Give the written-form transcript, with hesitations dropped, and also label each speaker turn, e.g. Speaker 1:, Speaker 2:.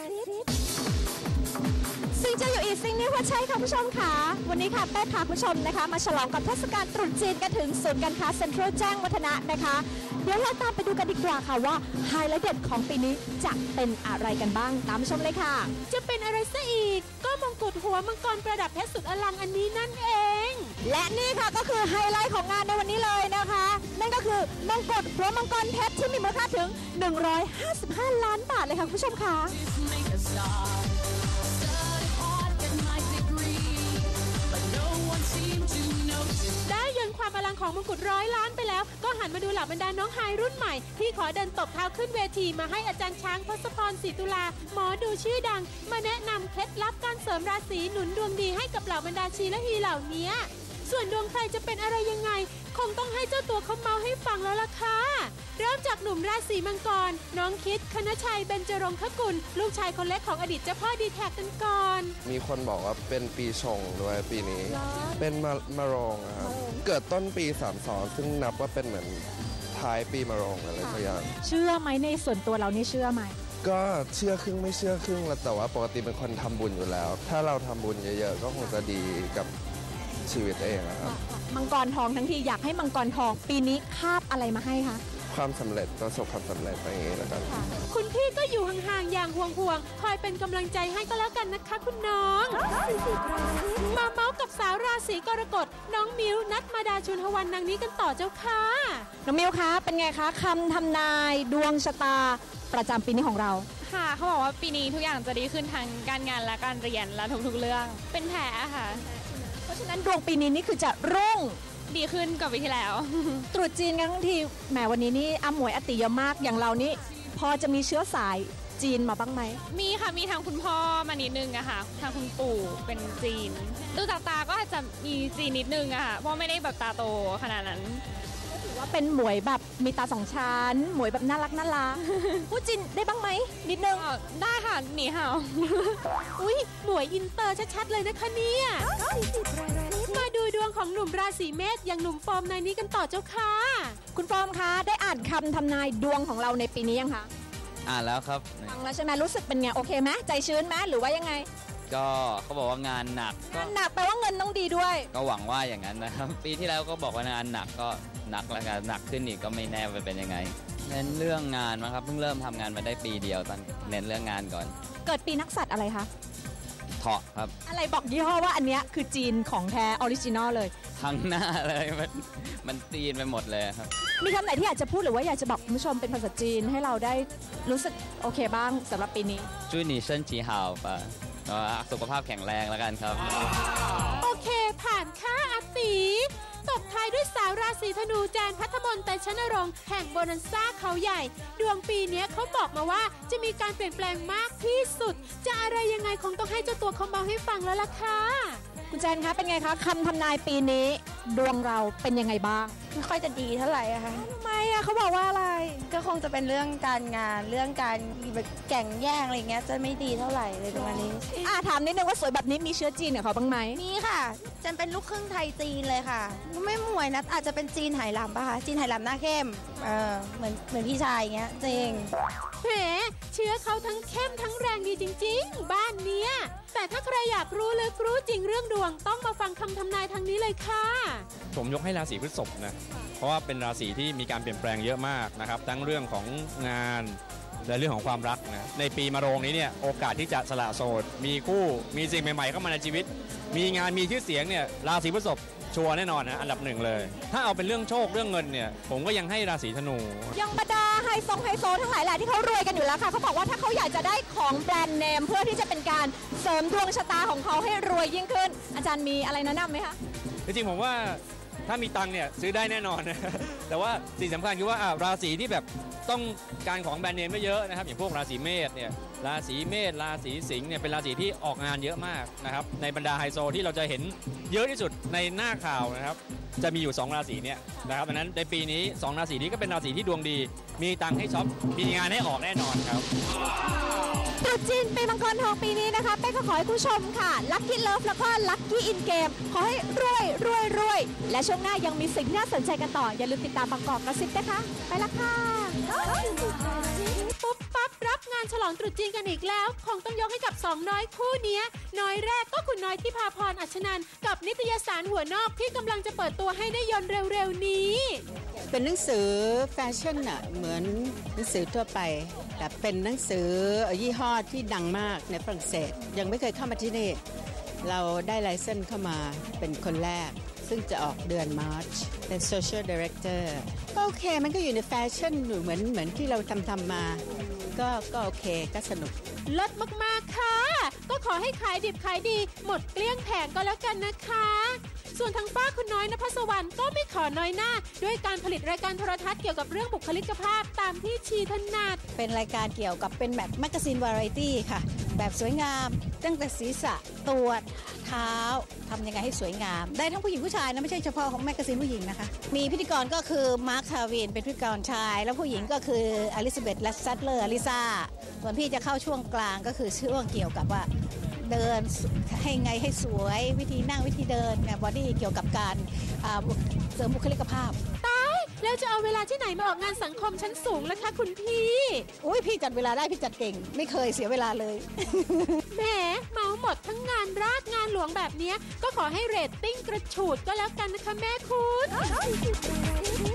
Speaker 1: ซึ่งจะอยู่อีกสิ่งนี้ว่าใช่ค่ะผู้ชมค่ะวันนี้ค่ะแป้พาผู้ชมนะคะมาฉลองกับเทศกาลตรุษจีนกันถึงศูนย์การค้าเซ็นทรัลแจ้งวัฒนะนะคะเดี๋ยวเราตามไปดูกันดีกว่าค่ะว่าไฮไลท์เด็ดของปีนี้จะเป็นอะไรกันบ้างตามชมเลยค่ะจะเป็นอะไรซะอีกก็มงกุฎหัวมังกรประดับเพชรสุดอลังอันนี้นั่นเองและนี่ค่ะก็คือไฮไลท์ของงานในวันนี้เลยนะคะนั่นก็คือมงกุฎหัวมังกรเพชรที่มีมูลค่าถึง155 ล้านบาทเลยค่ะคุณผู้ชมค่ะได้ยนต์ความอลังของมงกุฎ100 ล้านไปแล้วก็หันมาดูเหล่าบรรดาน้องไฮรุ่นใหม่ที่ขอเดินตบเท้าขึ้นเวทีมาให้อาจารย์ช้างทศพรศรีตุลาหมอดูชื่อดังมาแนะนำเคล็ดลับการเสริมราศีหนุนดวงดีให้กับเหล่าบรรดาชีและฮีเหล่านี้ส่วนดวงใครจะเป็นอะไรยังไงคงต้องให้เจ้าตัวเขาเมาให้ฟังแล้วล่ะค่ะเริ่มจากหนุ่มราศีมังกรน้องคิดคณชัยเบญจรงคกุลลูกชายคนเล็กของอดีตเจ้าพ่อดีแท็กกันก่อน
Speaker 2: มีคนบอกว่าเป็นปีชงด้วยปีนี้เป็นมะโรงครับเกิดต้นปี32ซึ่งนับว่าเป็นเหมือนท้ายปีมะโรงอะไรสักอย่าง
Speaker 1: เชื่อไหมในส่วนตัวเรานี่เชื่อไหม
Speaker 2: ก็เชื่อครึ่งไม่เชื่อครึ่งแต่ว่าปกติเป็นคนทำบุญอยู่แล้วถ้าเราทำบุญเยอะๆก็คงจะดีกับชีวิตเองครับ
Speaker 1: มังกรทองทั้งทีอยากให้มังกรทองปีนี้คาบอะไรมาให้คะ
Speaker 2: ความสำเร็จประสบความสำเร็จอย่างนี้แล้วกัน
Speaker 1: คุณพี่ก็อยู่ห่างๆอย่างห่วงๆคอยเป็นกำลังใจให้ก็แล้วกันนะคะคุณน้องมาเมาส์กับสาวราศีกรกฎน้องมิวนัทมาดาชุนหวันนางนี้กันต่อเจ้าค่ะน้องมิวคะเป็นไงคะคำทำนายดวงชะตาประจำปีนี้ของเรา
Speaker 3: ค่ะเขาบอกว่าปีนี้ทุกอย่างจะดีขึ้นทั้งการงานและการเรียนและทุกๆเรื่องเป็นแผลค่ะ
Speaker 1: เพราะฉะนั้นดวงปีนี้นี่คือจะรุ่ง
Speaker 3: ดีขึ้นกว่าปีที่แล้ว
Speaker 1: ตรุษจีนกันทั้งทีแหมวันนี้นี่อาหมวยอติเยอะมากอย่างเรานี่พอจะมีเชื้อสายจีนมาบ้างไหม
Speaker 3: มีค่ะมีทางคุณพ่อมานิดนึงอะค่ะทางคุณปู่เป็นจีนดูจากตาก็อาจจะมีจีนนิดนึงอะค่ะเพราะไม่ได้แบบตาโตขนาดนั้น
Speaker 1: ถือว่าเป็นหมวยแบบมีตา2 ชั้นหมวยแบบน่ารักพูดจีนได้บ้างไหมนิดนึง
Speaker 3: ได้ค่ะหนีเห่า
Speaker 1: อุ้ยหมวยอินเตอร์ชัดๆเลยนะคะเนี่ยมาดูดวงของหนุ่มราศีเมษอย่างหนุ่มฟอร์มในนี้กันต่อเจ้าค่ะคุณฟอร์มคะได้อ่านคำทำนายดวงของเราในปีนี้ยังคะ
Speaker 4: อ่านแล้วครับ
Speaker 1: ฟังแล้วใช่ไหมรู้สึกเป็นไงโอเคไหมใจชื้นไหมหรือว่ายังไง
Speaker 4: ก็เขาบอกว่างานหนัก
Speaker 1: แปลว่าเงินต้องดีด้วย
Speaker 4: ก็หวังว่าอย่างนั้นนะครับปีที่แล้วก็บอกว่างานหนักก็หนักแล้วกันหนักขึ้นอีกก็ไม่แน่ว่าเป็นยังไงเน้นเรื่องงานนะครับเพิ่งเริ่มทำงานมาได้ปีเดียวตอนเน้นเรื่องงานก่อน
Speaker 1: เกิดปีนักสัตว์อะไรคะ
Speaker 4: เถาะครับ
Speaker 1: อะไรบอกยี่ห้อว่าอันเนี้ยคือจีนของแท้ออริจินอลเลย
Speaker 4: ทั้งหน้าเลยมันจีนไปหมดเลยครับ
Speaker 1: มีคำไหนที่อยากจะพูดหรือว่าอยากจะบอกคุณผู้ชมเป็นภาษาจีนให้เราได้รู้สึกโอเคบ้างสำหรับปีนี้
Speaker 4: จุ้ยหนีเชิญจีฮาวป่ะสุขภาพแข็งแรงแล้วกันครับ
Speaker 1: โอเคผ่านค่าอาตีตบท้ายด้วยสาวราศีธนูแจนพัทมนต์แต่ชนรงค์แห่งโบนันซ่าเขาใหญ่ดวงปีนี้เขาบอกมาว่าจะมีการเปลี่ยนแปลงมากที่สุดจะอะไรยังไงคงต้องให้เจ้าตัวเขาเมาให้ฟังแล้วล่ะค่ะคุณแจนคะเป็นไงคะคำทำนายปีนี้ดวงเราเป็นยังไงบ้าง
Speaker 5: ไม่ค่อยจะดีเท่าไหร่อะค่ะ
Speaker 1: ทำไมอะเขาบอกว่าอะไร
Speaker 5: ก็คงจะเป็นเรื่องการงานเรื่องการแบบแข่งแย่งอะไรเงี้ยจะไม่ดีเท่าไหร่เลยประมาณนี้
Speaker 1: ถามนิดนึงว่าสวยแบบนี้มีเชื้อจีนกับเขาบ้างไหม
Speaker 5: มีค่ะจันเป็นลูกครึ่งไทยจีนเลยค่ะไม่หมวยนะอาจจะเป็นจีนไหหลำป่ะคะจีนไหหลำหน้าเข้มเหมือนพี่ชายเงี้ยจริง
Speaker 1: แหมเชื้อเขาทั้งเข้มทั้งแรงดีจริงๆบ้านเนี้ยแต่ถ้าใครอยากรู้ลึกรู้จริงเรื่องดวงต้องมาฟังคำทำนายทางนี้เลยค่ะ
Speaker 6: ผมยกให้ราศีพฤษภนะเพราะว่าเป็นราศีที่มีการเปลี่ยนแปลงเยอะมากนะครับทั้งเรื่องของงานและเรื่องของความรักนะในปีมะโรงนี้เนี่ยโอกาสที่จะสละโสดมีคู่มีสิ่งใหม่ๆเข้ามาในชีวิตมีงานมีชื่อเสียงเนี่ยราศีพฤษภชัวร์แน่นอนนะอันดับ1เลยถ้าเอาเป็นเรื่องโชคเรื่องเงินเนี่ยผมก็ยังให้ราศีธนู
Speaker 1: ยังบรรดาไฮโซทั้งหลายแหละที่เขารวยกันอยู่แล้วค่ะเขาบอกว่าถ้าเขาอยากจะได้ของแบรนด์เนมเพื่อที่จะเป็นการเสริมดวงชะตาของเขาให้รวยยิ่งขึ้นอาจารย์มีอะไรแนะนำไหมคะ
Speaker 6: จริงๆผมว่าถ้ามีตังค์เนี่ยซื้อได้แน่นอนนะแต่ว่าสิ่งสำคัญคือว่าราศีที่แบบต้องการของแบรนด์เนมไม่เยอะนะครับอย่างพวกราศีเมษเนี่ยราศีเมษราศีสิงห์เนี่ยเป็นราศีที่ออกงานเยอะมากนะครับในบรรดาไฮโซที่เราจะเห็นเยอะที่สุดในหน้าข่าวนะครับจะมีอยู่2ราศีเนี่ยนะครับดังนั้นในปีนี้2ราศีนี้ก็เป็นราศีที่ดวงดีมีตังค์ให้ช็อปมีงานให้ออกแน่นอนครับ
Speaker 1: ตรุรุษจีนปีมังกรทองปีนี้นะคะเป้ก็ขอให้ผู้ชมค่ะลัคกี้เลิฟแล้วก็ลัคกี้อินเกมขอให้รวยและช่วงหน้ายังมีสิ่งที่น่าสนใจกันต่ออย่าลืมติดตามบางกอกกระซิบนะคะไปละค่ะ
Speaker 7: ปุ๊บปั๊บรับงานฉลองตรุษจีนกันอีกแล้วคงต้องยกให้กับสองน้อยคู่เนี้ยน้อยแรกก็คุณน้อยที่พาพรอัชนันท์กับนิตยสารหัวนอกที่กำลังจะเปิดตัวให้ได้ยนต์เร็วๆนี้
Speaker 8: เป็นหนังสือแฟชั่นอะเหมือนหนังสือทั่วไปแต่เป็นหนังสือยี่ห้อที่ดังมากในฝรั่งเศสยังไม่เคยเข้ามาที่นี่เราได้ไลเซนส์เข้ามาเป็นคนแรกซึ่งจะออกเดือนมาร์ชเป็น Social Director ก็โอเคมันก็อยู่ในแฟชั่นเหมือนที่เราทำมาก็โอเคก็สนุก
Speaker 7: ลดมากๆค่ะก็ขอให้ขายดิบขายดีหมดเกลี้ยงแผงก็แล้วกันนะคะส่วนทางป้าคุณน้อยณภัสวรรณก็ไม่ขอน้อยหน้าด้วยการผลิตรายการโทรทัศน์เกี่ยวกับเรื่องบุคลิกภาพตามที่ชีถนัด
Speaker 5: เป็นรายการเกี่ยวกับเป็นแบบแมกกาซีนวาไรตี้ค่ะแบบสวยงามตั้งแต่ศีรษะตัวเท้าทำยังไงให้สวยงามได้ทั้งผู้หญิงผู้ชายนะไม่ใช่เฉพาะของแมกกาซีนผู้หญิงนะคะมีพิธีกรก็คือมาร์คทาวินเป็นพิธีกรชายแล้วผู้หญิงก็คืออลิซาเบธและซัตเลอร์อลิซาส่วนพี่จะเข้าช่วงกลางก็คือช่วงเกี่ยวกับว่าเดินให้ไงให้สวยวิธีนั่งวิธีเดินเนี่ยบอดี้เกี่ยวกับการเสริมบุคลิกภาพ
Speaker 7: ตายแล้วจะเอาเวลาที่ไหนมาออกงานสังคมชั้นสูงล่ะคะคุณพี่
Speaker 5: อุ้ยพี่จัดเวลาได้พี่จัดเก่งไม่เคยเสียเวลาเลย
Speaker 7: แหมเมาหมดทั้งงานราชงานหลวงแบบนี้ก็ขอให้เรตติ้งกระฉูดก็แล้วกันนะคะแม่คุณ